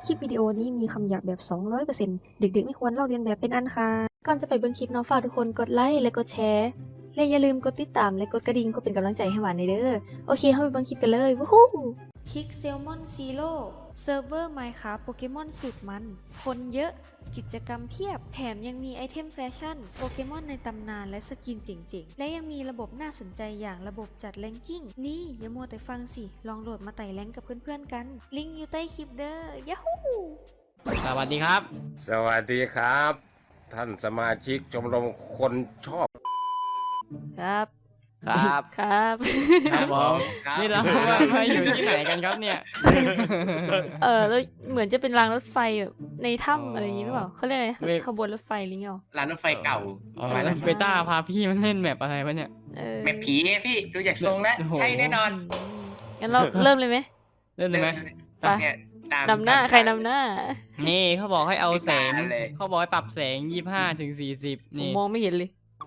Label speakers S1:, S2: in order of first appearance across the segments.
S1: คลิปวิดีโอนี้มีคำหยาบแบบ 200% เด็กๆไม่ควรลอกเลียนแบบเป็นอันขาดก่อนจะไปเบิ่งคลิปเนาะฝากทุกคนกดไลค์และกดแชร์และอย่าลืมกดติดตามและกดกระดิ่งเพื่อเป็นกำลังใจให้หวานในเด้อโอเคเข้าไปเบิ่งคลิปกันเลยวู้ฮู้คิกเซลมอนซีโร่เซิร์ฟเวอร์ไมน์คราฟโปเกมอนสุดมันคนเยอะกิจกรรมเพียบแถมยังมีไอเทมแฟชั่นโปเกมอนในตำนานและสกินเจ๋งๆและยังมีระบบน่าสนใจอย่างระบบจัดแรงกิ้งนี่อย่ามัวแต่ฟังสิลองโหลดมาไต่แรงกับเพื่อนๆกันลิงก์อยู่ใต้คลิปเด้อยาฮู
S2: สวัสดีครับ
S3: สวัสดีครับ ท่านสมาชิกชมรมคนชอบ
S1: ครับ
S4: ครับ
S1: ครับ
S2: ครับผม
S4: ครับ
S2: นี่เรามาอยู่ที่ไหนกันครับเนี่ย
S1: แล้วเหมือนจะเป็นรางรถไฟแบบในถ้ำอะไรอย่างนี้หรือเปล่าเขาเรียกอะไร
S2: เว้ย
S1: ขบวนรถไฟหรือไง
S4: ร้านรถไฟเก่า
S2: อ๋อ
S4: ร้านรถไฟ
S2: เบต้าพาพี่มันเล่นแมปอะไรวะเนี่ย
S4: แม่ผีพี่ดูจากทรงแล้ว
S2: โอ้โห
S4: ใช่แน่นอน
S1: งั้นเราเริ่มเลยไหม
S2: เล่นเลยไหม
S1: ไป
S4: เนี่ยตาม
S1: นำหน้าใครนำหน้า
S2: นี่เขาบอกให้เอาแสง
S4: ไม่ตามเลย
S2: เขาบอกให้ปรับแสง25 ถึง 40
S1: ผม
S2: นี่
S1: มองไม่เห็นเลย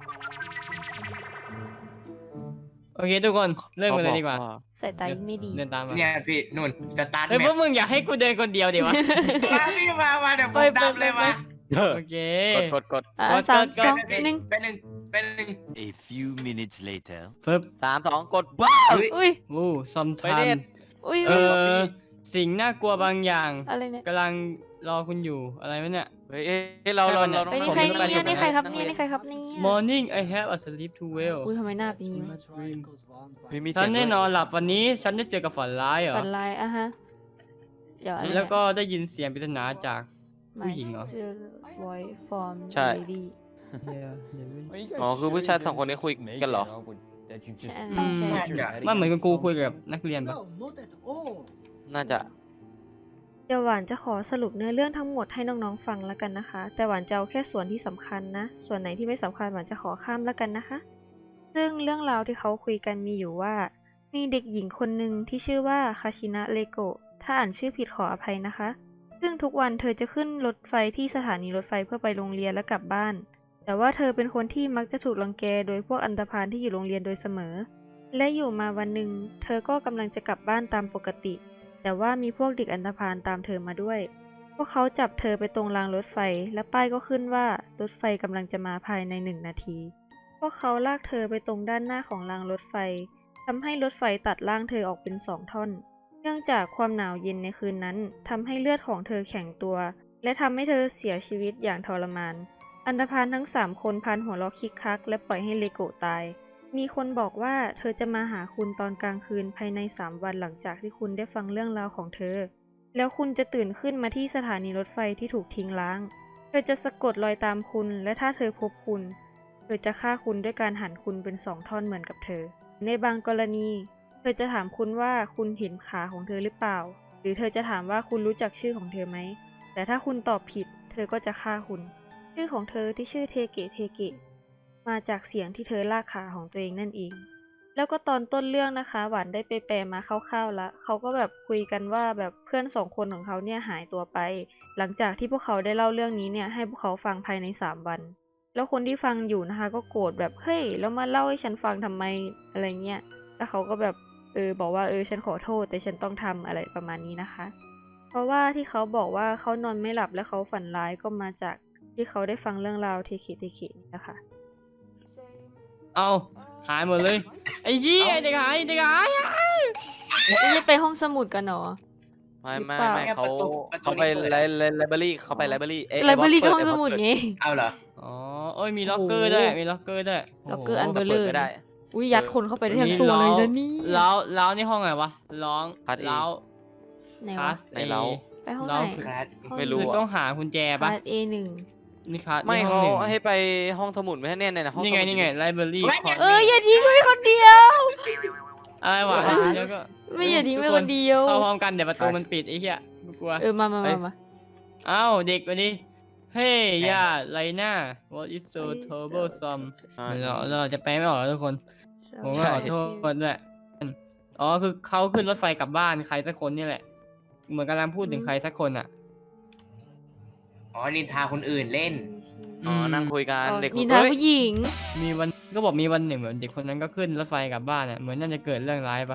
S2: โอเคทุกคนเริ่มกันเลยดีกว่า
S1: สายตาไม่ดี
S2: เดินตามมา
S4: เนี่ยพี่นุ่นสตาร์ท
S2: เฮ้ย
S4: แม
S2: พว
S4: ป
S2: กมึงอยากให้กูเดินคนเดียวดิวะ
S4: มาพี่มาเดี๋ยวผมดำเลยมา
S2: โอเค
S4: กด
S1: อ่ะ
S2: กด
S1: สาม
S2: กด
S1: สอง
S4: ไป
S1: หนึ่ง
S4: เป็นหนึ่ง
S5: A few minutes later.
S2: ปึ๊บ
S4: 3 2 กดว้าว
S1: อุ้ย
S2: วู้ซอม
S4: ไป
S2: ทั
S4: เล่
S2: น
S4: น
S1: อุ้ย
S2: สิ่งน่ากลัวบางอย่าง
S1: อะไรเนี่ย
S2: กำลังรอคุณอยู่อะไรวะเนี่ย
S4: เฮ้ยเรา
S2: ใช่ปะเนี่ย
S1: เฮ้ยนี่
S2: ผม
S1: ใคร
S2: ไม่
S1: เนี่ย
S2: ไป
S1: นี่ใครครับ
S2: ผม
S1: เนี่ยนี่ใครครับเนี่ย
S2: Morning I have a sleep too well
S1: อุ้ยทำไมหน้าเป็นอย่างนี้วะ
S2: ฉันแน่นอนหลับวันนี้ฉันได้เจอกับฝันร้ายเหรอ
S1: ฝันลายอ่ะฮะเดี๋ยวอะไรเนี่ย
S2: แล้วก็ได้ยินเสียงปริศนาจาก ผู้หญิงเหรอ
S1: My still voice from
S4: ใช่
S1: lady
S4: อ๋อคือผู้ชาย2 คนนี้คุยกันเหรอ
S1: ใช่
S2: อืม
S1: ใช่
S2: มันเหมือนกับกูคุยกับนักเรียนปะ
S4: น่าจะ
S1: เดี๋ยวหวานจะขอสรุปเนื้อเรื่องทั้งหมดให้น้องๆฟังแล้วกันนะคะ แต่หวานจะเอาแค่ส่วนที่สำคัญนะ ส่วนไหนที่ไม่สำคัญหวานจะขอข้ามแล้วกันนะคะ ซึ่งเรื่องราวที่เขาคุยกันมีอยู่ว่า มีเด็กหญิงคนหนึ่งที่ชื่อว่าคาชินะเลโกะถ้าอ่านชื่อผิดขออภัยนะคะ ซึ่งทุกวันเธอจะขึ้นรถไฟที่สถานีรถไฟเพื่อไปโรงเรียนและกลับบ้าน แต่ว่าเธอเป็นคนที่มักจะถูกรังแกโดยพวกอันธพาลที่อยู่โรงเรียนโดยเสมอ และอยู่มาวันหนึ่งเธอก็กำลังจะกลับบ้านตามปกติ แต่ว่ามีพวกเด็กอันธพาลตามเธอมาด้วย พวกเขาจับเธอไปตรงรางรถไฟ และป้ายก็ขึ้นว่ารถไฟกำลังจะมาภายใน1 นาที พวกเขาลากเธอไปตรงด้านหน้าของรางรถไฟทำให้รถไฟตัดร่างเธอออกเป็น2 ท่อน เนื่องจากความหนาวเย็นในคืนนั้นทำให้เลือดของเธอแข็งตัว และทำให้เธอเสียชีวิตอย่างทรมาน อันธพาลทั้ง3 คนพันหัวเราะคิกคักและปล่อยให้เลโกะตาย มีคนบอกว่าเธอจะมาหาคุณตอนกลางคืนภายใน3 วันหลังจากที่คุณได้ฟังเรื่องราวของเธอ แล้วคุณจะตื่นขึ้นมาที่สถานีรถไฟที่ถูกทิ้งร้าง เธอจะสะกดรอยตามคุณ และถ้าเธอพบคุณ เธอจะฆ่าคุณด้วยการหั่นคุณเป็น2 ท่อนเหมือนกับเธอ ในบางกรณี เธอจะถามคุณว่าคุณเห็นขาของเธอหรือเปล่า หรือเธอจะถามว่าคุณรู้จักชื่อของเธอไหม แต่ถ้าคุณตอบผิด เธอก็จะฆ่าคุณ ชื่อของเธอที่ชื่อเทเกะเทเกะ มาจากเสียงที่เธอลากขาของตัวเองนั่นเอง แล้วก็ตอนต้นเรื่องนะคะหวานได้ไปแปลมาคร่าวๆแล้วเขาก็แบบคุยกันว่าแบบเพื่อน2 คนของเขาเนี่ยหายตัวไป หลังจากที่พวกเขาได้เล่าเรื่องนี้เนี่ยให้พวกเขาฟังภายใน3 วัน แล้วคนที่ฟังอยู่นะคะก็โกรธแบบเฮ้ยแล้วมาเล่าให้ฉันฟังทำไมอะไรเงี้ย แล้วเขาก็แบบบอกว่าฉันขอโทษแต่ฉันต้องทำอะไรประมาณนี้นะคะ เพราะว่าที่เขาบอกว่าเขานอนไม่หลับและเขาฝันร้ายก็มาจากที่เขาได้ฟังเรื่องราวเทคิเทคินี่นะคะ
S2: เอาหายหมดเลยไอ้ยี่ไอ้เด็กหายเด็กหาย
S1: ไม่ได้ไปห้องสมุดกันเหรอ
S4: ไม่
S1: หรือเปล่า
S4: เขาไปไลบรารีเขาไปไลบรารี
S1: ไลบรารีก็ห้องสมุดไง
S4: เอาเหรอ
S2: อ๋อเอ้ยมีล็อกเกอร์ด้วยมีล็อกเกอร์ด้วย
S1: ล็อกเกอร์อัน
S2: โโห
S1: เบลเลอร์
S4: ก็ได้
S1: อุ้ยยัดคนเข้าไปได้ทั้งตัวเลยนะนี่
S2: แล้วนี่ห้องไหนวะร้อง
S4: พาร์ท A
S2: แล้ว
S1: ไหน
S2: คลาว
S1: ะ
S2: ส
S4: ไหนเล้า
S1: ไปห้องไห
S2: เรา
S1: น
S4: คลาส
S1: ห้อง
S4: ไม่รู้
S2: คือ
S4: อะ
S2: ต้องหากุญแจปะ
S1: พาร์ท A1
S2: นี่คลาส
S4: ไม่
S2: นี่ห้
S4: เขา
S2: องหนึ่ง
S4: ให้ไปห้องสมุดไม่ให้แน่ในห้อง
S2: นี่ไงนี่ไงไลบรารีคอร์
S1: อย่าทิ้งไว้คนเดียว
S2: อะไรวะแล้วก็
S1: ไม่อย่าทิ้งไว้คนเดียว
S2: เข้าพร้อมกันเดี๋ยวประตูมันปิดไอ้เหี้ยไม่กลัว
S1: มา
S2: เอ้าเด็กวันนี้เฮ้ยย่าไลน่า what is so troublesome เราจะแปลไม่ออกแล้วทุกคน ผมก็ขอโทษด้วยอ๋อคือเขาขึ้นรถไฟกลับบ้านใครสักคนนี่แหละ เหมือนกำลังพูดถึงใครสักคนอ่ะ
S4: อ๋อนินทาคนอื่นเล่น
S2: อ๋อนั่งคุย
S4: กันเด็ก
S1: นินทาผู้หญิง
S2: มีวันก็บอกมีวันหนึ่งเหมือนเด็กคนนั้นก็ขึ้นรถไฟกลับบ้านอ่ะเหมือนน่าจะเกิดเรื่องร้ายปะ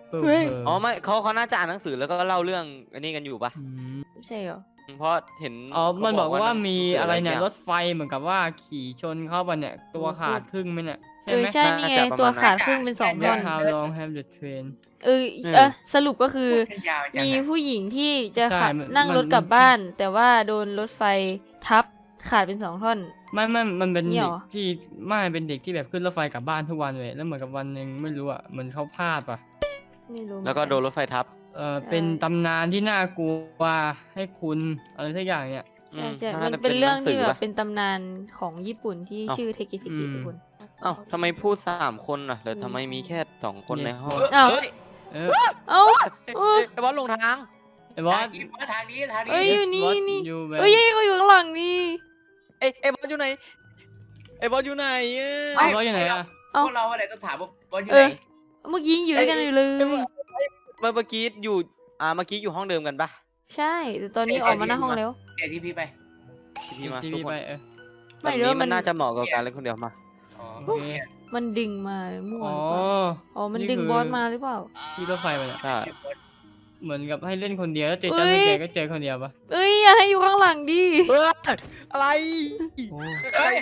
S2: ปึ๊บ
S1: เฮ้ย
S4: อ๋อไม่เขาน่าจะอ่านหนังสือแล้วก็เล่าเรื่องอันนี้กันอยู่ปะ
S2: อืม
S1: ไม่ใช่เหรอ
S4: เพราะเห็น
S2: อ๋อมันบอกว่ามี
S4: หงสื
S2: อะไรเนี่ย
S4: สัก
S2: ร
S4: ย่าง
S2: ถไฟเหมือนกับว่าขี่ชนเข้าไปเนี่ยตัวขาดครึ่งไหมเนี่ยใช่
S1: เออ
S2: ไหม
S1: ใช่นี่ไง
S4: น่าจะประมาณ
S1: ตัวขาด
S6: นั้น
S1: ครึ่งเป็นสองท่อน
S2: How long have the train
S1: สรุปก็คือ
S6: พูดกันยาวจัง
S1: มี
S6: อะ
S1: ผู้หญิงที่จะ
S2: ใช่
S1: ขับ
S2: มัน
S1: นั่ง
S2: มัน
S1: รถกลับบ้าน แต่ว่าโดนรถไฟทับขาดเป็นสองท่อน
S2: มันเป็น
S1: เนี่ย
S2: เด็
S1: เห
S2: ก
S1: รอ
S2: ที่ไม่เป็นเด็กที่แบบขึ้นรถไฟกลับบ้านทุกวันเลยแล้วเหมือนกับวันหนึ่งไม่รู้อ่ะเหมือนเขาพลาดป่ะ
S1: ไม่รู้เหมือน
S4: แล้วก็โดนรถไฟทับ
S2: เป็นตำนานที่น่ากลัวให้คุณอะไรสักอย่างเนี่ย
S4: อืม
S1: ใช่
S4: า
S1: มัน
S4: จะ
S1: เป็นเรื่องที่
S4: ห
S1: แบ
S4: สื
S1: บเป็นตำนานของญี่ปุ่นที่
S4: เอ้า
S1: ชื่อเทกิเท
S2: อื
S1: กิ
S2: ม
S1: ทุกคน
S4: เอ้าทำไมพูด3 คนน่ะแล้วทำไมมีแค่2 คนในห้อง
S1: เอ้า
S6: เอ้ย
S2: เออ
S1: เอ้า
S4: เอ้ยไอ้บอสลงทาง
S2: ไอ้บอ
S6: ทา
S2: ส
S6: งนี้ทางนี้ทาง
S1: เอ้ย
S6: นี้
S1: อยู่นี่
S2: What
S1: นี่
S2: you
S1: เอ้ยเขาอยู่ข้างหลังนี่
S4: ไอ้บอสอยู่ไหนไอ้บอสอยู่ไหนอะ
S2: ไอ้บอสอยู่ไหนอ่ะ
S6: พวกเราอะไรต้องถามว่าบอลอยู่
S1: เอ
S6: ไหน
S1: อ เมื่อกี้อยู่ด้วยกันอยู่เลย
S4: เมื่อกี้อยู่เมื่อกี้อยู่ห้องเดิมกันปะ
S1: ใช่ แต่ตอนนี้ออกมาหน้าห้องแล้ว
S6: เดี๋ยวที่พี่ไป
S4: พี่มา
S2: ที
S4: ทุ
S2: วี
S4: กคน
S2: ไป
S1: ไม่
S4: แบบ
S1: รู้
S4: นี้
S1: ว่ามั
S4: มัน นน่าจะเหมาะกับการเล่นคนเดียวมา
S6: อ๋อ
S2: โอเค
S1: มันดึงมามั่ว
S2: อ๋อ
S1: หรือเปล่าอ๋อ มันดึงบอสมาหรือเปล่า
S2: ที่รถไฟไปเนี่ย
S4: ใช่
S2: เหมือนกับให้เล่นคนเดียวแล้วเจอ
S1: เอ้
S2: เจ้าส
S1: ย
S2: เกตก็เจอคนเดียวปะ
S1: เอ้ยอย่าให้อยู่ข้างหลังดิ
S4: เฮ้ยอะไร
S2: โอ้
S4: ใคร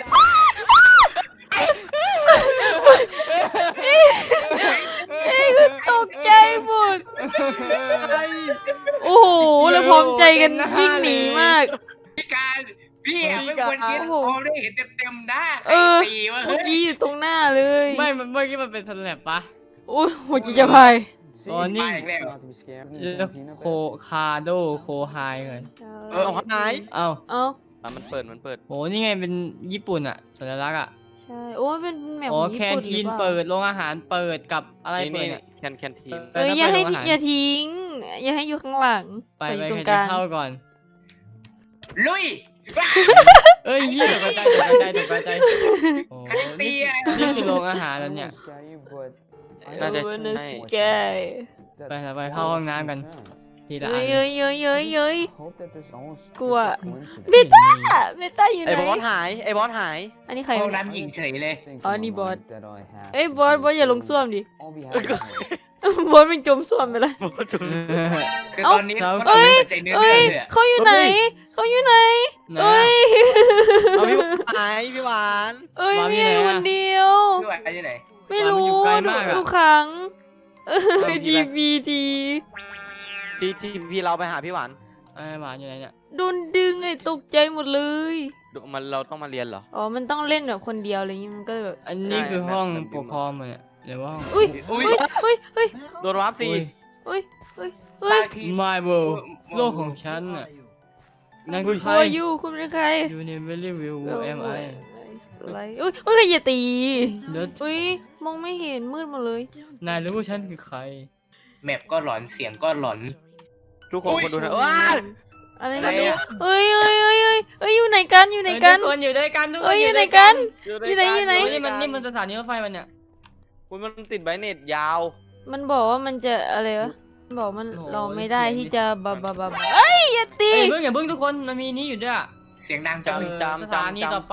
S1: เอ้ยคือตกใจหมด
S4: อะไร
S1: โอ้โห แล้วพร้อมใจกันวิ่งหนีมาก
S6: พี่การพี่อะไม่ควรกิน
S1: โอ้โห
S6: พอได้เห็นเต็มๆหน้าใคร
S1: เออ
S6: ตีวะ
S1: เมื่
S6: เฮ้
S1: อย กี้อยู่ตรงหน้าเลย
S2: ไม่เมื่อกี้มันเป็นสแลบปะ
S1: โอ้ยหัวจิตจะพาย
S2: อ๋อนี่
S6: มาอีกแล้ว
S2: แล้วโคคาโดโคไฮเลย
S6: เออ
S4: เอาหาย
S2: เอ้า
S1: เอ้า
S4: มันเปิด
S2: โหนี่ไงเป็นญี่ปุ่นอะสัญลักษณ์อะ
S1: ใช่ โอ้ยเป็นแมป
S2: อ๋
S1: ข
S2: อ
S1: องญี่
S2: แคน
S1: ปุ่นห
S2: ที
S1: รื
S2: น
S1: อเปล่า
S2: เปิดโรงอาหารเปิดกับอะไรเปิด
S4: นี่
S2: เนี่ย
S4: แคนทีน
S1: เอ้ยอย่าให้
S2: แล้วไปโรงอาหาร
S1: อย่าทิ้ง อย่าให้อยู่ข้างหลัง
S2: ไป
S1: อ
S2: ไป
S1: ยู่ตร
S2: ใครง
S1: ก
S2: จะ
S1: ลาง
S2: เข้าก่อน
S6: ลุย
S2: เอ้ยยี่ตกใจโอ้
S6: ใครตีอะ
S2: นี่คือโรงอาหารแล้วเนี่ย
S4: น่าจะ
S1: โอ้
S4: ใช่
S1: น่าสแกย
S2: ไปเข้าห้องน้ำกันทีละ
S1: เย้
S2: อั
S1: ย
S2: น
S1: เย้ยเย้ยเย้ยเย้ย กลัว
S2: เบต้า
S1: เบต้าอยู่ไห
S4: ไอ้
S1: น
S4: บอสหายไอ้บอสหาย
S1: อันนี้ใคร
S6: เข้าว
S1: ะเนี่ย
S6: น้ำหญิงเฉยเลย
S1: อ๋อนี่บอส เอ้ยบอสอย่าลงส้วมดิ บอสมันจมส้วมไปแล้ว
S4: บอสจุ๊บ
S6: คือ
S1: เอ้า
S6: ตอนนี้พวกเราไม่สนใจเนื้อ
S1: เอ้
S6: เรื่
S1: ย
S6: องเลยอะ
S1: เขาอยู่ไหน เขาอยู่ไหน
S2: ไหน
S1: เอ้ย
S4: เอาพี่หวานหายพี่หวาน
S1: เอ้ย
S2: วาง
S1: มี
S2: ที่ไหน
S1: อยู่
S2: อะ
S1: คนเดียว
S6: พี่ไหวไปที่ไหน
S1: ไม่
S2: วางมัน
S1: รู้
S2: อยู่ไกลมากอะ
S1: ดูครั้งเออ
S2: เอาดี
S1: ดี
S2: ไป
S1: บีที
S4: ที่พี่เราไปหาพี่หวาน
S2: ไอ้หวานอยู่ไหนเนี่ย
S1: โดนดึงไอ้ตกใจหมดเลย
S4: เราต้องมาเรียนเหรอ
S1: อ๋อ มันต้องเล่นแบบคนเดียวอะไรอย่างงี้มันก็แบบ
S2: อันนี้คือ
S4: ใช่
S2: ห้อง
S4: แบบ
S2: ปกครองมันเนี่ยหรือว่าห้อง
S1: อุ้ย
S6: อุ้ย
S1: เฮ้ยเฮ้ย
S4: โดนวาร์ปสิ
S2: อุ้ย
S1: เฮ้ยเฮ้ย
S6: บางที
S2: My world โลกของฉันน่ะนั่นคือใคร
S1: โอ้ยยูคุณเป็นใคร
S2: You never will who am I
S1: อะไรอุ้ยเฮ้ยอย่าตี
S2: เดี๋ยว
S1: อุ้ยมองไม่เห็นมืดหมดเลย
S2: นายรู้ว่าฉันคือใคร
S6: แมปก็หลอนเสียงก็หลอน
S4: ทุกคน
S6: อุ๊ย
S4: คนดูนะว้าย
S1: อะไร
S6: อะไร
S1: ไม่รู้
S6: อะ
S1: เอ้ยเอ้ยเอ้ยเอ้ยเอ้ยอยู่ไหนกันอยู่ไหนกัน
S2: ทุกคนอยู่ด้วยกันทุกค
S1: เอ้
S2: น
S1: ย
S2: อ
S1: อยู่
S2: ยู่
S1: ไหน
S2: ด้วย
S1: กั
S2: กัน
S1: อยู่ไหนอยู่ไหน
S2: โอ้ยนี่มันสถานีรถไฟมันเนี่ย
S4: คุณมันติดไบเน็ตยาว
S1: มันบอกว่ามันจะอะไรวะมันบอกมัน
S2: โอ้ย
S1: เราไม่ได้
S2: เสียง
S1: ที่จะบะเอ้ยอย่าตี
S2: เอ้ยอย่าเพิ่งทุกคนมันมีนี้อยู่ด้วยอะ
S6: เสียงดังจัง
S4: จำ
S2: สถานีต่อไป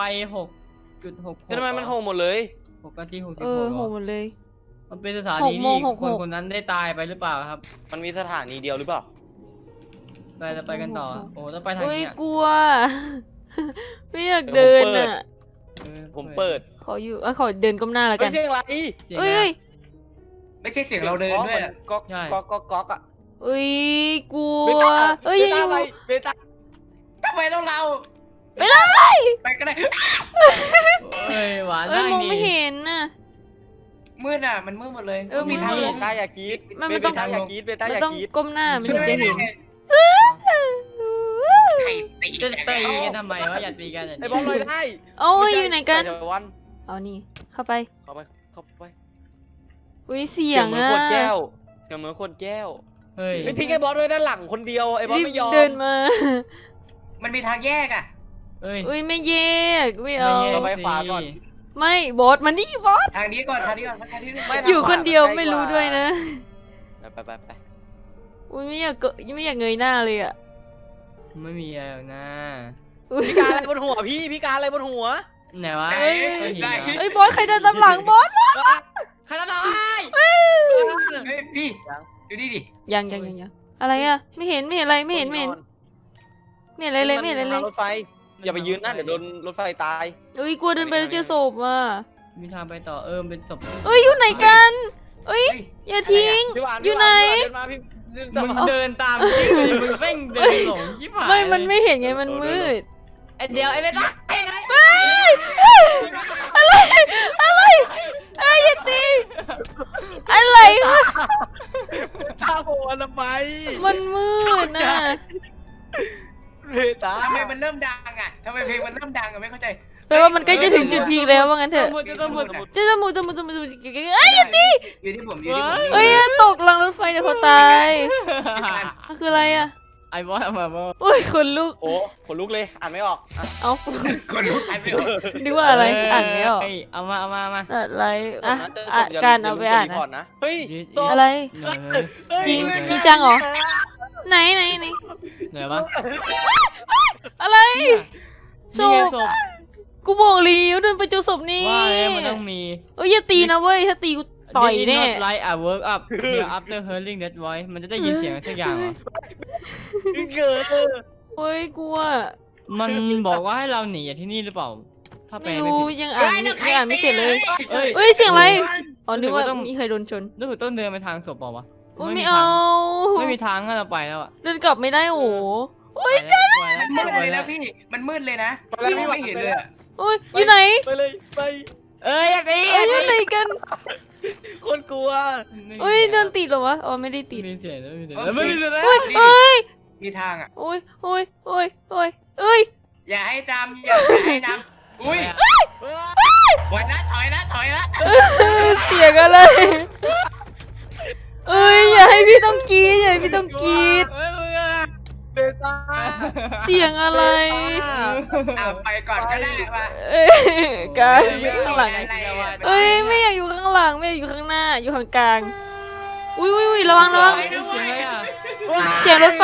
S2: 6.6
S4: ทำไมมันโหหมดเลย
S2: 6นาที
S1: เออโห
S2: 66
S1: หมดเลย
S2: มันเป็นสถานี
S1: 6โม
S2: ที่
S1: ง
S2: คน
S1: 66
S2: คนนั้นได้ตายไปหรือเปล่าครับ
S4: มันมีสถานีเดียวหรือเปล่า
S2: จะไปกันต่อ โอ้ต้องไปทาง
S1: อุ้ย
S2: นี้อะ
S1: กลัว ไม่อยากเดินอ่ะ
S4: ผมเปิด
S1: ขออยู่ขอเดินก้มหน้าแล้ว
S4: ไม่
S1: กัน
S4: ใช่อะไร
S2: เสียง
S1: เอ้
S2: อะไร
S1: ย
S6: ไม่ใช่เสียงเราเดินด้วยอะ
S4: ก๊อก
S2: ใช่
S4: ก๊อกก๊อกก๊อกอะ
S1: เอ้ยกลัว
S4: เบต้า
S1: เอ้ย
S4: เบ
S1: อย่าอ
S4: ต้า
S1: ยู่
S4: ไปเบต้า
S6: ทำไมต้องเรา
S1: ไปเลย
S6: ไปก็ได้
S2: เอ้ยหวาน
S1: เอ้ย
S2: ได้
S1: มอง
S2: นี่
S1: ไม่เห็นน่ะ
S6: มืดอ่ะมันมืดหมดเลย
S1: เออ
S6: มีทาง
S1: มื
S6: ล
S1: ด
S6: ง
S4: เบต้าอย่ากรีด
S1: มัน
S4: เบ
S1: ต้อง
S4: ต้าอย่ากรีดเบต้า
S1: มัน
S4: อย่า
S1: ต้อง
S4: กรีด
S1: ก้มหน้ามันถึงจะเห็น
S6: ใครตี
S2: จะ
S6: จัง
S2: ตีกันทำไมวะอย่าตีกัน
S4: ไอ้บอลลอยได้
S1: โอ้ยอยู่ไหนกัน
S4: ม่ใช่ไปเถอะวัน
S1: เอานี่เข้าไป
S4: เข้าไปเข้าไป
S1: อุ้ยเสียง
S4: เหมือน
S1: อ่ะ
S4: ขวดแก้วเสียงเหมือนขวดแก้ว
S2: เฮ้ย
S4: ไม่ทิ้งไอ้บอสไว้ด้านหลังคนเดียวไอ้บอส
S1: รีบ
S4: ไม่ยอม
S1: เดินมา
S6: มันมีทางแยกอ่ะ
S2: เอ้ย
S1: อุ้ยไม่แยกไม่เอา
S2: ไม่แย
S4: เราไปขวาก่อน
S1: ไม่บอสมานี่บอส
S6: ทางนี้ก่อนทางนี้ก่อนทางนี้ก่อน
S4: ไม่
S1: อยู่คนเดียวไม่รู้ด้วยนะ
S4: ไป
S1: อุ้ยไม่อยากเงยหน้าเลยอ่ะ
S2: ไม่มีอะไรหรอกนะ
S1: อุ้ย
S4: พี่การอะไรบนหัวพี่การอะไรบนหัว
S2: ไหนวะ
S1: เอ้ย
S2: ก้อนหินเหรอ
S1: เอ้ยบอสใครเดินตามหลังบอส
S2: ใครรับน้อย
S6: เฮ้ยพี่ดูนี่ดิ
S1: ยังอะไรอะไม่เห็นอะไรไม่เห็นอะไรเลยไม่เห็นอะไรเลย
S4: รถไฟอย่าไปยืนนะเดี๋ยวโดนรถไฟตาย
S1: เอ้ยกลัวเดินไปแล้วเจอศพอ่ะ
S2: มีทางไปต่อเป็นศพ
S1: เอ้ยอยู่ไหนกันเอ้ย
S6: เฮ้ย
S1: อย่าทิ้ง
S4: พี่หวาน
S1: อยู่ไหน
S4: เดินมาพี่เดิน
S2: มึง
S4: ตาม
S2: เดินตามพี่เลยมึงเร่งเดินหลงชิบหาย
S1: ไม่มันไม่เห็นไงมันมืด
S2: ไอเดียวไอเบต้า
S1: อะไรไอ้ยอย่าตีอะไรวะ
S4: ท่าโผล่ทำไม
S1: มันมืดนะ
S4: เบต้า
S6: ทำไมมันเริ่มดังอ่ะทำไมเพลงมันเริ่มดังอ่ะไม่เข้าใจ
S1: แปลว่ามันใกล้จะถึงจุดพีคแล้วว่างั้นเถอะ
S2: จะมุด
S1: เจอจมูกเอ้ยอย่าตี
S6: อยู่ที่ผมอยู่ที่ผม
S1: เอ้ยตกรางรถไฟเดี๋ยวเขาตายมันคืออะไรอ่ะ
S2: ไอ้บอสมาบอส
S1: โอ้ยคนลุก
S4: โอ้ขนลุกเลยอ่านไม่ออกอ่ะ
S1: เอา
S6: คนลุกอันไม่ออก
S1: นึกว่าอะไรอ่านไม่ออก
S2: เอามา
S1: อะไรอ่ะ
S4: เจอศ
S1: อ่ะ
S4: พอย่
S1: การเอาไปอ่าน
S4: ย่ลืมกดรีพร์ตนะเฮ้ยศพ
S1: อะไร จริงจริงจังเหรอ ไหน
S2: ไหนวะ
S1: อะไรศ
S2: นี่ไง
S1: พ
S2: ศพ
S1: กูบอกแล้วเดินไปเจอศพนี่
S2: ว่าแล้วมันต้องมี
S1: เอ้ยอย่าตีนะเว้ยถ้าตีกูต่อยแน่
S2: Did it not light a work up here after hearing that voice มันจะได้ยินเสียงสักอย่างเหรอ
S4: เกิด
S1: เฮ้ยกลัว
S2: มันบอกว่าให้เราหนีจากที่นี่หรือเปล่า ถ้าแปล
S1: ไม่
S2: ไม่
S1: รู้
S2: ผิด
S1: ยังอ่านไม่เสร็จเลย
S2: เอ้ย
S1: เอ้ยเสียงอะไรอ๋อนึกว่า
S2: รู้สึกว่าต้อง
S1: มีใครโดนชน
S2: รู้สึกต้นเดินไปทางศพเปล่าวะ
S1: โอ้ย
S2: มี
S1: ไม่
S2: ทา
S1: เอา
S2: งไม่มีทางให้เราไปแล้วอะ
S1: เดินกลับไม่ได้โอ้โห
S6: มันมืดเลยนะพี่มันมืดเลยนะพี่มองไม่เห็นเลยอะ
S1: โอ้ยอยู่ไหน
S4: ไปเลยไป
S2: เอ้ยอยากหนี
S1: เอ้ยอยู่ไหนกัน
S4: คนกลัว
S1: เอ้ยเดินติดเหรอวะอ๋อไม่ได้ติด
S2: มีเสียงแล้วมีเสียงแล้วไม่มีเสียงแล้ว
S1: เอ้ยเอ้ย
S6: มีทางอ่ะ
S1: โอ้ยเอ้ย
S6: อย่าให้จำอย่าให้นำอุ้ยถอยนะถอยนะ
S1: เสียงอะไรเอ้ยอย่าให้พี่ต้องกรีดอย่าให้พี่ต้องกรีด
S2: เอ้ยมึงอะ
S4: เบต้า
S1: เสียงอะไร
S6: เอาไปก่อนก็ได้ป่ะ
S1: เอ้ยการอยู่ข้างหลัง
S6: อะไรอะ
S1: เอ้ยไม่อยากอยู่ข้างหลังไม่อยากอยู่ข้างหน้าอยู่ข้างกลางอุ้ยระวัง
S2: เสียงอะไรอะ
S1: เสียงรถไฟ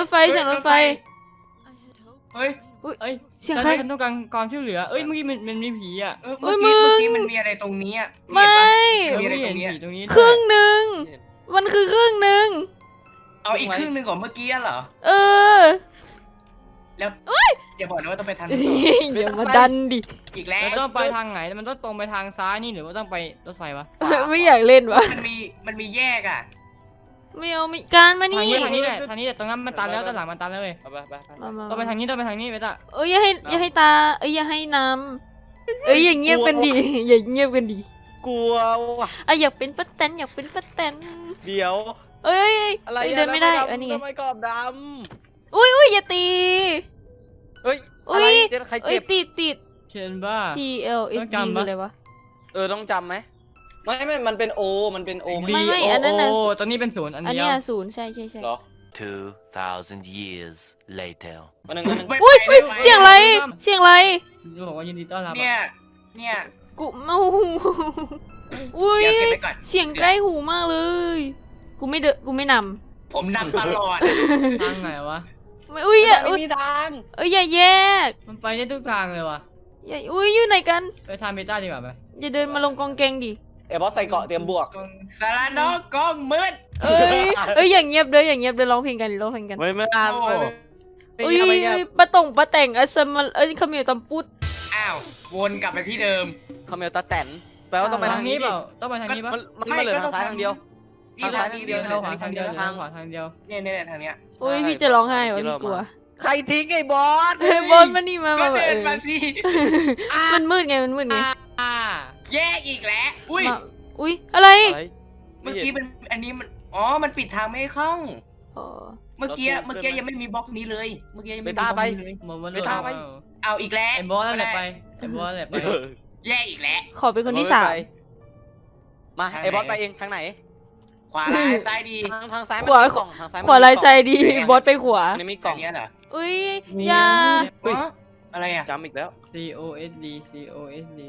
S6: เฮ้ย
S2: เอ้ย
S1: เสียงใคร
S2: ฉันต้องการความช่วยเหลือเอ้ยเมื่อกี้มันมีผีอะ
S6: เมื่อกี้มันมีอะไรตรงนี้อ่ะ
S1: ไม่
S6: มีอะไร
S2: เห็
S6: ตร
S2: น
S6: งนี้
S2: ผีตรงนี้
S1: ครึ่งหนึ่งมันคือครึ่งหนึ่ง
S6: เอาอีกครึ่งหนึ่งของเมื่อกี้เหรอ
S1: เออ
S6: แล้วอย่าบอกนะว่าต้องไปทางนี้
S1: อย่ามาดันดิ
S6: อีกแล้ว
S2: เราต้องไปทางไหนมันต้องตรงไปทางซ้ายนี่หรือว่าต้องไปรถไฟวะ
S1: ไม่อยากเล่นวะ
S6: มันมีแยกอ่ะ
S1: ไม่เอาไม่การมา
S2: ทาง
S1: นี่
S2: นี้แหละตรงนั้นมันตันแล้วด้านหลังมันตันแล้วเว้ย
S4: เอาไปไป
S1: มา
S2: ต้องไปทางนี้ไปตา
S1: เอ้ยอย่าให้ตาเอ้ยอย่าให้น้ำเอ้ยอย่าเงียบกันดิอย่าเงียบกันดิ
S4: กลัวว่ะ
S1: อ่ะอยากเป็นป้าแตน
S4: เดี๋ยว
S1: เอ้ย
S4: อะไร
S1: เดินไม่ได้
S4: ทำ
S1: อันนี้ไง
S4: ทำไมกรอบด
S1: อุ้ยอย่าตี
S4: ำเฮ้ยอะไรเจ็บใคร
S1: เอ้
S4: เจ็
S1: ย
S4: บ
S1: ติด
S2: เชนบ้า
S1: C L S
S2: ต้อง
S1: D
S2: จำปะ
S1: คืออะไรวะ
S4: ต้องจำไหมไม่มันเป็นโอมันเป็นโอ
S1: ไม่อันนั้นน่ะ
S2: ตอนนี้เป็นศูนย์อัน
S1: อัน
S2: เดีย
S1: เนี้
S2: วย
S1: ศูนย์ใช่
S4: เหรอ
S5: 2,000 years later.
S4: วันหนึ่ง
S1: อุ้ยเสียงอะไร
S2: บอกว่ายินดีต้อนรับ
S6: เนี่ย
S1: กูเมาอุ้ย
S6: เดี๋ยวเก็บไว้ก่อน
S1: เสียงใกล้หูมากเลยกูไม่น
S6: ผมนำตลอด
S2: ทางไหนวะ
S1: ำไม่อุ้ยอย่า
S4: ไม่มีทาง
S1: อย่าแยก
S2: มันไปได้ทุกทางเลยวะ
S1: อย่าอุ้ยอยู่ไหนกัน
S2: ไปทางเบต้าดีกว่าไหม
S1: อย่าเดินมาลงกองแกงดิ
S4: บอสใส่เกาะเตรียมบวก
S6: สารนกกองมืด
S1: อย่างเงียบเด้อร้องเพลงกัน
S4: ไม่อ่าน
S6: โอ้
S1: อุ้ย
S4: ทำไมเงียบ
S1: ปะแต่งอัสมาขมิ้วตำปุด
S6: อ้าววนกลับไปที่เดิม
S4: คาเมลตาแตนแปลว่าต้องไป
S2: ทา
S4: ทาง ง
S2: นี้
S4: นี้
S2: เปล่าต้องไปทางนี้ปะ
S4: มันเหลือทางซ้ายทางเดียว
S6: นี่ทางนี้เดียว
S2: ขวาทางเดียวทางขวาทางเดียว
S6: เนี่ยทางเนี้ย
S1: อุ้ยพี่จะร้องไห้วะพี่กลัว
S4: ใครทิ้งไอ้บอส
S1: บอลมานี่มา
S6: ก็เดินมาสิ
S1: มันมืดไง
S6: แย่อีกแล้วอุ้ย
S1: อุ้ยอะไร
S6: เมื่อกี้มันอันนี้มันมันปิดทางไม่ให้เข้า
S1: อ๋อ
S6: เมื่อกี้ยังไม่มีบล็อกนี้เลย เมื่อกี้ยังไม่มีบล็อกนี้เลย
S2: หมดวัน
S4: ไม่ตามไป
S6: เอาอีกแล้ว
S2: ไอ้บอสนั่นแหละไปไอ้บอสแหละไป
S6: แย่อีกแล้ว
S1: ขอเป็นคนที่สาม
S4: มาไอ้บอสไปเองทางไหน
S6: ขวาร้ายซ้ายดี
S4: ทางซ้ายมันมีกล่องทางซ้ายมัน
S1: ขวาลายไซดีบอสไปขวา
S4: อันนี้มีกล่อง
S6: เนี้ยเหรอ
S1: อุ้ยยา
S6: อะไรอ่ะ
S4: จำอีกแล้ว
S2: C O S D C O S D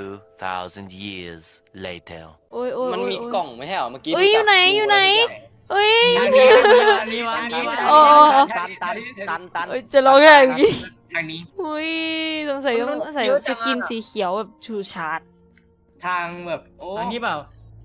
S5: 2,000 years later.
S1: โอ้ย
S4: มันมีกล่องไม่ใช่เหรอเมื่อกี้
S1: อยู่ไหนเอ้ย
S2: ทางนี้ทางนี้วะ
S4: ตัน
S1: จะร้องไห้เมื่อกี้
S6: ทางนี้
S1: อุ้ยสงสัยต้องใส่สกินสีเขียวแบบชูชาร์ด
S6: ทางแบบโอ้
S2: ทางนี้เปล่า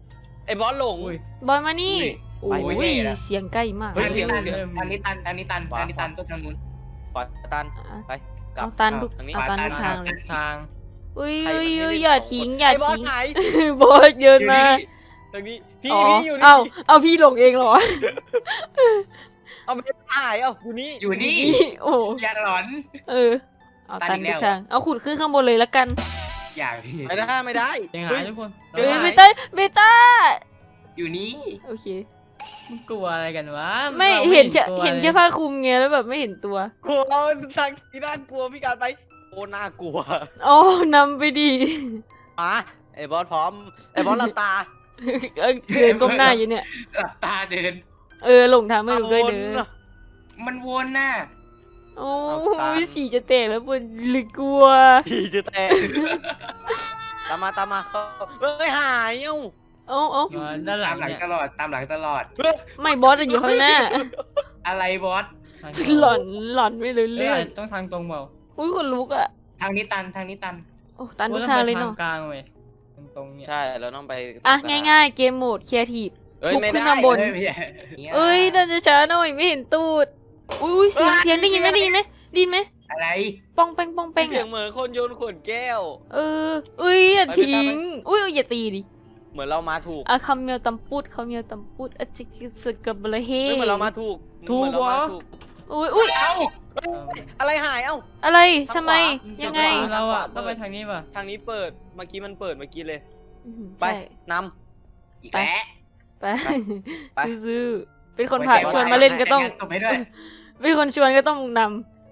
S4: ไอ้บอสหลง
S2: อุ้ย
S1: บอยมานี่
S4: ไป
S1: โอ้
S4: ไม่
S1: ย
S4: ได้
S1: เสียงใกล้มาก
S4: เฮ้ย
S6: ทางนี้ตัน
S4: เดี๋ยว
S6: ทางนี้ตันทางนี้ตันทางนี้ตันต้องทางนู้น
S4: ขวาตัน
S1: อ่ะ
S4: ไปกลับ
S1: เอาตันทุก
S4: ทางนี้
S1: เอาตันทุก
S6: ขวาตัน
S1: ทางเลย
S2: ทาง
S1: อุ้ย
S4: ใคร
S1: อุ้ย
S4: มัน
S1: อุ้ย
S4: ไม่
S1: อย่า
S4: ได้
S1: ทิ้ง
S4: บอก
S1: อย่า
S4: ไอ้บอส
S1: ทิ้ง
S4: ไหน
S1: บอยเดินมา
S4: ทางนี้พี่
S1: อ๋อ
S4: พี่อยู่นี่
S1: เอาพี่หลงเองเหรอ
S4: เอาไม่หายเอาอยู่นี่
S6: อยู่นี่
S1: โอ้
S6: อย่าหลอน
S1: เออเอา
S6: ตั
S1: ตั
S6: น
S1: น
S6: อีก
S1: ทุ
S6: แล้ว
S1: กทางเอาขุดขึ้นข้างบนเลยละกัน
S6: อย่าพี่
S4: ไม่ได้ไม่ได้
S2: ยังไง
S4: เฮ้ย
S2: ทุกคน
S4: เดี๋
S1: เฮ้
S4: ย
S1: ยว
S4: ไหน
S1: เบต้า
S6: อยู่นี่
S1: โอเค
S2: มึงกลัวอะไรกันวะ
S1: ไม่
S2: รา
S1: เห็นแค่
S2: กลัว
S1: เห็นแค่
S2: ลย
S1: ผ้าคลุมไงแล้วแบบไม่เห็นตัว
S4: กลัวเอาทางที่ด้านกลัวพี่การไปโอ้น่ากลัว
S1: อ๋อนำไปดี
S4: มาไอ้บอสพร้อมไอ้บอสหลับตา
S1: เดินก้มหน้าอยู่เนี่ย
S6: หลับตาเดิน
S1: เออหลงทางไม่รู้ด้วยเด้อ
S6: มันวนน่ะ
S1: โอ้
S4: เอาตาม
S1: ยฉี่จะแตกแล้วปวดหรือกลัว
S4: พี่จะแตกตามมาเขาเฮ้ยหายเอ้า
S1: เอา
S2: มาด้านหลั
S6: ตาง มหลัง
S2: เนี่ย
S6: ตลอดตามหลังตลอด
S1: ไม่บอสอะอยู่ข้างหน้า
S6: อะไรบอส
S2: ทาง
S1: หล่อนหล่อนไม่รู้
S2: เรื่
S1: เรื่
S2: อ
S1: อง ง
S2: ต้องทางตรงเปล่า
S1: อุ้ยคนลุกอ่ะ
S6: ทางนี้ตันทางนี้ตัน
S1: โอ้ตันทุ
S2: โอ้
S1: ก
S2: ต้อง
S1: ทาง
S2: ไป
S1: เลย
S2: ทา
S1: เนาะ
S2: งกลางเว้ยตรงๆเนี่ย
S4: ใช่เราต้องไป
S1: อ่ะง่ายๆเกมโหมดครีเอทีฟ
S4: เอ้ย
S1: บุก
S4: ไม่
S1: ขึ้น
S4: ได้
S1: ข้างบน
S6: ไม่ใช่
S1: เอ้ยน่าจะช้าหน่อยไม่เห็นตูดอุ้ยเสียงได้ยินไหมได้ยินไหมได้ยินไหม
S6: อะไร
S1: ป้องแป้งป้องแป้ง
S4: เสียง
S1: อะ
S4: เหมือนคนโยนขวดแก้ว
S1: เอออุ้ยอย่า
S4: ไป
S1: ทิ้ง
S4: ไป
S1: อุ้ยอย่าตีดิ
S4: เหมือนเรามาถูก
S1: อะคำเมียวตำปุดคำเมียวตำปุดอะจิกสกับบละเฮ
S4: เฮ้ยเหมือนเรามาถูก
S2: ถูก
S4: เหมือนเรามา
S2: เหรอ
S4: ถูก
S1: อุ้ย
S6: เอ้า
S4: อะไรหายเอ้า
S1: อะไร
S4: ทาง
S1: ทำไม
S4: ขวา
S1: ยังไง
S4: ทางขว
S2: เราอะ
S4: เปิด
S2: ต้องไปทางนี้ป่ะ
S4: ทางนี้เปิดเมื่อกี้มันเปิดเมื่อกี้เลย
S1: อืม
S4: ไป
S1: ใช่
S4: น
S6: อีกแล้ว
S1: ไป
S4: ไป
S1: ซื้อๆเป็นคนพาชวนมาเล่นก็ต้อง
S6: รายงานศพให้ด้วย
S1: เป็นคนชวนก็ต้องน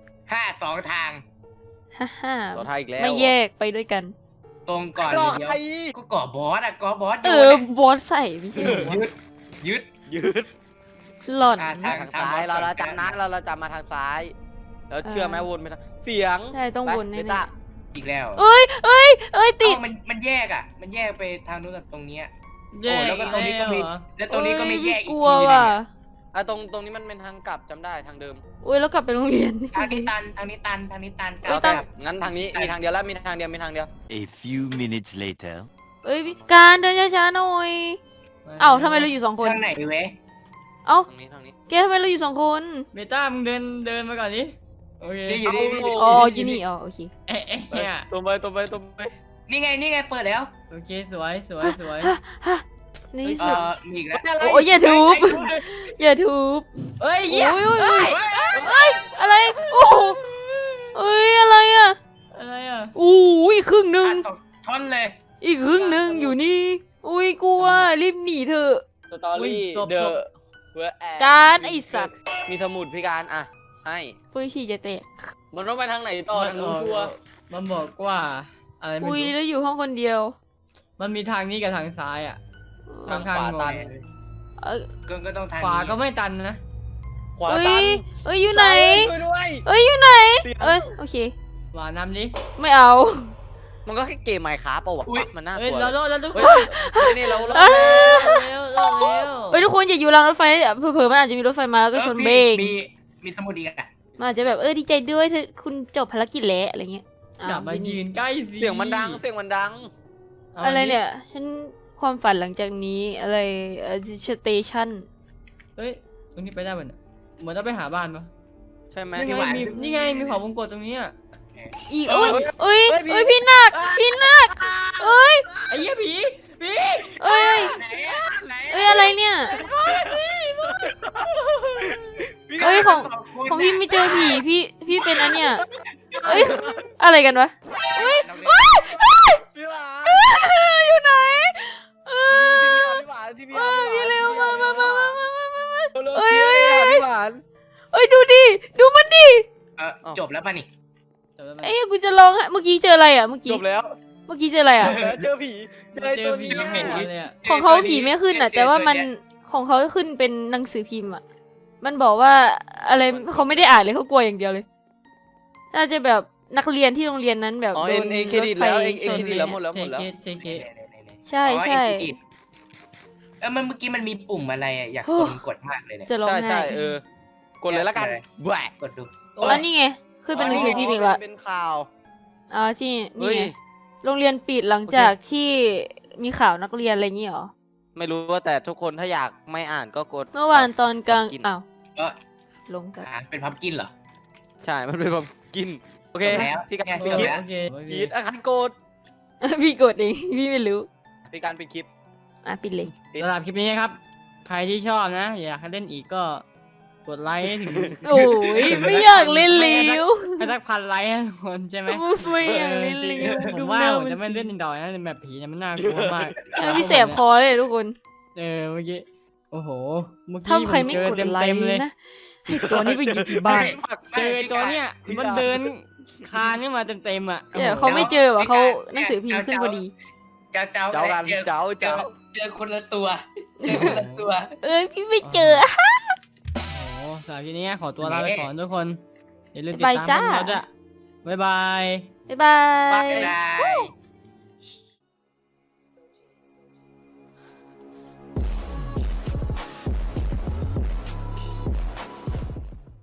S6: 2 ทาง
S1: ำฮ่า
S4: ำต่อท้ายอีกแล้ว
S1: ไม่แยกไปด้วยกัน
S6: ตรงก่อน
S4: ก็
S6: เดียว
S4: ไอ้
S6: ก็ก่อบอสอะก่อบอส
S1: เอ
S6: โย
S1: อน
S6: อะ
S1: บอสใส่ไม่ใช่เหรอวะ
S6: ยึด
S4: ยืด
S1: หล่อน
S6: อ่ะ
S4: ทางซ้ายเราจำนะเราจำมาทางซ้าย แล้วเชื่อไหมวนไปทางเสียง
S1: ใช่ต้อง
S4: ไป
S1: วนแน่
S4: เบต้า
S6: อีกแล้ว
S1: ๆเอ้ยติด
S6: เอ้ามันแยกอะมันแยกไปทางนู้นกับตรงเนี้ย
S2: แยก
S6: แล้วก็ตรงนี้ก็มี
S2: เหรอ
S6: แล้วตรงนี้ก็ไม่แยกอี
S1: ก
S6: ก
S1: ลัว
S6: ทีนึง
S1: ว่ะ
S6: เนี่ย
S4: อ่ะตรงนี้มันเป็นทางกลับจำได้ทางเดิม
S1: อุ้ยแล้วกลับไปโรงเรียน
S6: ทางนี้ตันทางนี้ตันทางนี้ตันกลั
S1: เอ้
S6: บ
S1: ยตัน
S6: กลับ
S4: งั้นทางนี้มีทางเดียวแล้วมีทางเดียวมีทางเดียว
S5: A few minutes later.
S1: เอ้ยการเดินช้าๆหน่อยเอ้าทำไมเราอยู่2 คน
S6: ทางไหนเว้ย
S1: เอ้า
S4: ทางนี้
S1: แกทำไมเราอยู่2 คน
S2: เบต้ามึงเดินมาก่อนดิโอเค
S6: นี่อยู่นี่นี่
S1: อ๋ออยู่นี่อ๋อโอเค
S2: เอ๊ะ
S4: ไป
S2: เนี่ย
S4: ตรงไป
S6: นี่ไงเปิดแล้ว
S2: โอเคสวย
S1: ในที่สุด
S6: มีอีกแล้ว
S1: โอ้ยอย่าทุบอย่าทุบ
S2: เอ้ย
S1: โอ้
S2: เหี้ย
S1: ยอะไรโอ้โหเอ้ยอะไรอ่ะ
S2: อะไรอ่ะ
S1: อู้อีกครึ่งหนึ่ง
S6: ขาด2 ท่อนเลย
S1: อีกครึ่งหนึ่งอยู่นี่อุ้ยกลัวรีบหนีเถอะ
S4: สตอรี่เดอะเวอร์แอ
S1: การไอ้สัตว์
S4: มีสมุดพี่การอ่ะให้
S1: ปุ้ยฉี่จะแตก
S4: มันต้องไปทางไหนต่อทางนู้นชัวร์
S2: มันบอกว่าอะไรไม่
S1: อุ้ย
S2: รู้
S1: แล้วอยู่ห้องคนเดียว
S2: มันมีทางนี้กับทางซ้ายอ่ะ
S4: ทางขวาตัน
S1: เออ
S6: ก็ต้องทาง
S2: ขวา
S6: นี้
S2: ก็ไม่ตันนะ
S4: ขวา
S1: เอ้
S4: ตัน
S1: ยเอ้ยอยู่ไหน
S4: ช่วยด้วย
S1: เอ้ยอยู่ไหน
S4: เสียง
S1: เอ้ยโอเค
S2: ขวานำดิ
S1: ไม่เอา
S4: มันก็แค่เกมไมค์คราฟเปล่าวะมันน่าก
S2: เอ้ย
S4: ลัว
S2: เราโลดแล้วทุกค
S4: เฮ้
S2: น
S4: ยนี่เรา
S1: เอ้ย
S2: เร็วเร็ว
S1: เอ้ยทุกคนอย่าอยู่รางรถไฟเผลอๆมันอาจจะมีรถไฟมาแล้วก็ชนเบรก
S6: มีสมุดอีกอะ
S1: มันอาจจะแบบดีใจด้วยเธอคุณจบภารกิจแล้วอะไรเงี้ยอ้ว
S2: อย่ามายืนใกล้สิ
S4: เสียงมันดังเสียงมันดัง
S2: า
S1: อะไร
S2: ดิ
S1: เนี่ยฉันความฝันหลังจากนี้อะไรสเตชัน
S2: เฮ้ยตรงนี้ไปได้ป่ะเนี่ยเหมือนต้องไปหาบ้านปะ
S4: ใช่ไหม
S2: นี่ไงมีเผาวงกตตรงนี้อ่ะ
S1: อีกโอ้ยเอ้ย
S4: เฮ้ยพี่
S1: เอ้ยพี่หนักพี่หนักเอ้ย
S2: ไอ้เหี้ยผี
S1: เอ้ย
S6: ไหนอะไหน
S1: เอ้ยอะไรเนี่ย เอ้ยของพี่ไม่เจอผีพี่เป็นอันเนี่ยเอ้ยอะไรกันวะ
S4: พี่หวาน
S1: อยู่ไหนเออ
S4: พี่หวานที่พี่
S1: พี่เร็วมาเอ้
S4: เอ้
S1: ย
S4: ย
S1: เอ้ยเอ้ย
S4: พี่หวาน
S1: เอ้ยดูดิดูมันดิ
S6: จบแล้วป่ะนี่
S1: เอ้ยกูจะร้องไห้เมื่อกี้เจออะไรอ่ะเมื่อกี้
S4: จบแล้ว
S1: เมื่อกี้เจออะไรอ่ะ
S4: เจอผีเจอตัวนี้
S2: เห็นเลยอ่ะ
S1: ของเขาผีไม่ขึ้นอ่ะ แต่ว่ามันของเขาขึ้นเป็นหนังสือพิมพ์อ่ะมันบอกว่าอะไรเขาไม่ได้อ่านเลยเขากลัวอย่างเดียวเลย น่าจะแบบนักเรียนที่โรงเรียนนั้นแบบ
S4: อ๋อ
S1: โด
S4: เอ็
S1: น
S4: นเคร
S1: ร
S4: ดิ
S1: ถ
S4: ต
S1: ไฟ
S4: แล้วเอ็น
S1: ช
S4: เคน รดิตแล้วหมดแล้ว
S2: เจเค
S1: ใช่ใช่
S6: มันเมื่อกี้มันมีปุ่มอะไรอะอยากสนกดมากเลยเนี่ย
S1: จะร้อง
S4: ใช่
S1: ไห้
S4: ใช่กดเลยละกันแหวก
S6: กดดู
S1: แล้วนี่ไงขึ้นเป็นหนังสือพิมพ์อีกละ
S4: เป็นข่าว
S1: อ๋อที่นี่
S4: เฮ้ย
S1: ไงโรงเรียนปิดหลังจากที่มีข่าวนักเรียนอะไรอย่างงี้เหรอ
S4: ไม่รู้ว่าแต่ทุกคนถ้าอยากไม่อ่านก็กด
S1: เมื่อวานตอนกลาง
S4: กิน
S1: อ้าว
S6: เออ
S1: ลงกัน
S6: เป็นพัมกินเหรอ
S4: ใช่มันเป็นแบบกินโอเค
S6: แล้ว
S4: พี่การ
S6: ไง
S4: ปิดคลิป
S2: โอเคโอเค
S4: พีทอาคารโกด
S1: พี่กดเองพี่ไม่รู้
S4: พี่การปิดคลิป
S1: อ่ะปิดเลย
S2: สำหรับคลิปนี้นะครับ ใครที่ชอบนะ อยากให้เล่นอีกก็กดไลค์ให้ถึง
S1: โอ้ยไม่อยากเล่นเลี้ยว
S2: ให้สักพันไลค์นะทุกคนใช่ไหม
S1: ไม่อยากเล่น
S2: จริง
S1: เลี้ยว
S2: ผม
S1: ดู
S2: ว่า
S1: หน้า
S2: ผม
S1: มัน
S2: จะไม่
S1: สิ
S2: เล่นดอยนะในแบบผีเนี่ยมันน่ากลัวมาก
S1: พี่แสบคอเลยทุกคน
S2: เเมื่อกี้โอ้โหเมื่อกี้
S1: ถ้าใครไม่
S2: ผ
S1: กด
S2: เจอ
S1: ไล
S2: เต็ม
S1: ค์
S2: ๆเลย
S1: นะไอ้ตัวนี้ไปอยู่ที่บ้าน
S2: เจอไอ้ตัวเนี้ยมันเดินคานขึ้นมาเต็มๆอ่ะ
S1: เดี๋ยวเขาไม่เจอว่ะเขาหนังสือพิมพ์ขึ้นพอดี
S6: เจ้า
S4: เจ้ากัน
S6: เจอ
S4: เจ้า
S6: เจอ
S4: เจ้า
S6: เจอคนละตัว เจอคนละตัว
S1: เอ้ยพี่ไม่เจอ
S2: โอ้โหสำหรับคลิปนี้ขอตัวลาไปก่อนทุกคนอย่าลืมติด
S1: บ๊ายบาย
S2: ตาม
S1: จ้า
S2: พวกเราด้วยบ๊ายบาย
S1: บ๊ายบาย
S6: ได้